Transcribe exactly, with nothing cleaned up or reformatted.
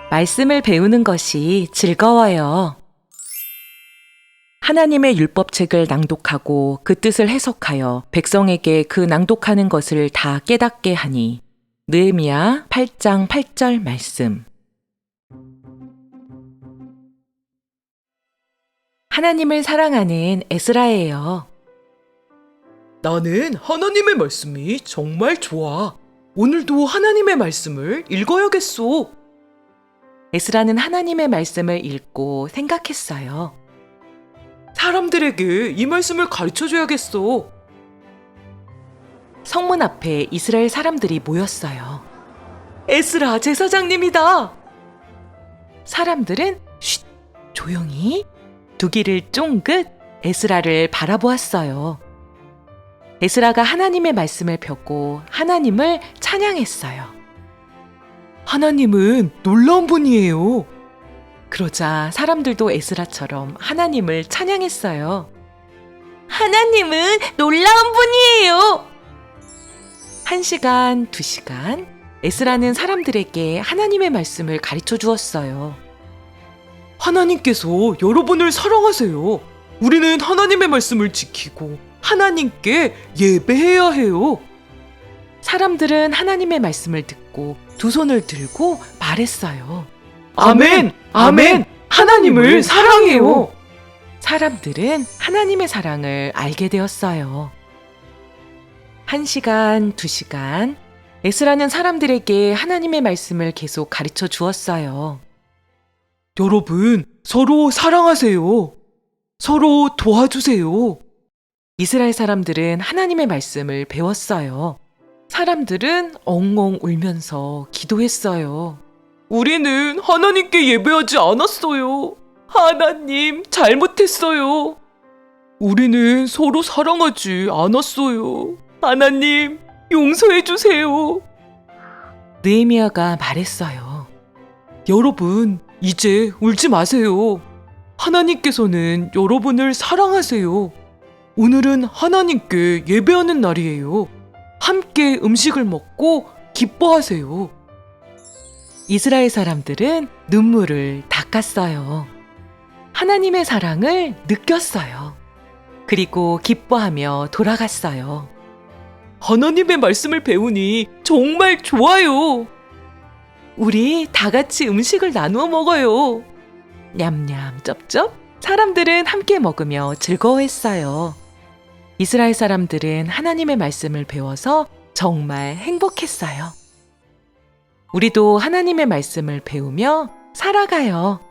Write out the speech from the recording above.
말씀을 배우는 것이 즐거워요. 하나님의 율법책을 낭독하고 그 뜻을 해석하여 백성에게 그 낭독하는 것을 다 깨닫게 하니. 느헤미야 팔 장 팔 절 말씀. 하나님을 사랑하는 에스라예요. 나는 하나님의 말씀이 정말 좋아. 오늘도 하나님의 말씀을 읽어야겠소. 에스라는 하나님의 말씀을 읽고 생각했어요. 사람들에게 이 말씀을 가르쳐줘야겠소. 성문 앞에 이스라엘 사람들이 모였어요. 에스라 제사장님이다. 사람들은 쉿, 조용히 두 귀를 쫑긋 에스라를 바라보았어요. 에스라가 하나님의 말씀을 펴고 하나님을 찬양했어요. 하나님은 놀라운 분이에요. 그러자 사람들도 에스라처럼 하나님을 찬양했어요. 하나님은 놀라운 분이에요. 한 시간, 두 시간, 에스라는 사람들에게 하나님의 말씀을 가르쳐 주었어요. 하나님께서 여러분을 사랑하세요. 우리는 하나님의 말씀을 지키고 하나님께 예배해야 해요. 사람들은 하나님의 말씀을 듣고 두 손을 들고 말했어요. 아멘! 아멘! 하나님을 사랑해요. 사람들은 하나님의 사랑을 알게 되었어요. 한 시간, 두 시간, 에스라는 사람들에게 하나님의 말씀을 계속 가르쳐 주었어요. 여러분, 서로 사랑하세요. 서로 도와주세요. 이스라엘 사람들은 하나님의 말씀을 배웠어요. 사람들은 엉엉 울면서 기도했어요. 우리는 하나님께 예배하지 않았어요. 하나님, 잘못했어요. 우리는 서로 사랑하지 않았어요. 하나님, 용서해 주세요. 느헤미야가 말했어요. 여러분, 이제 울지 마세요. 하나님께서는 여러분을 사랑하세요. 오늘은 하나님께 예배하는 날이에요. 함께 음식을 먹고 기뻐하세요. 이스라엘 사람들은 눈물을 닦았어요. 하나님의 사랑을 느꼈어요. 그리고 기뻐하며 돌아갔어요. 하나님의 말씀을 배우니 정말 좋아요. 우리 다 같이 음식을 나누어 먹어요. 냠냠 쩝쩝. 사람들은 함께 먹으며 즐거워했어요. 이스라엘 사람들은 하나님의 말씀을 배워서 정말 행복했어요. 우리도 하나님의 말씀을 배우며 살아가요.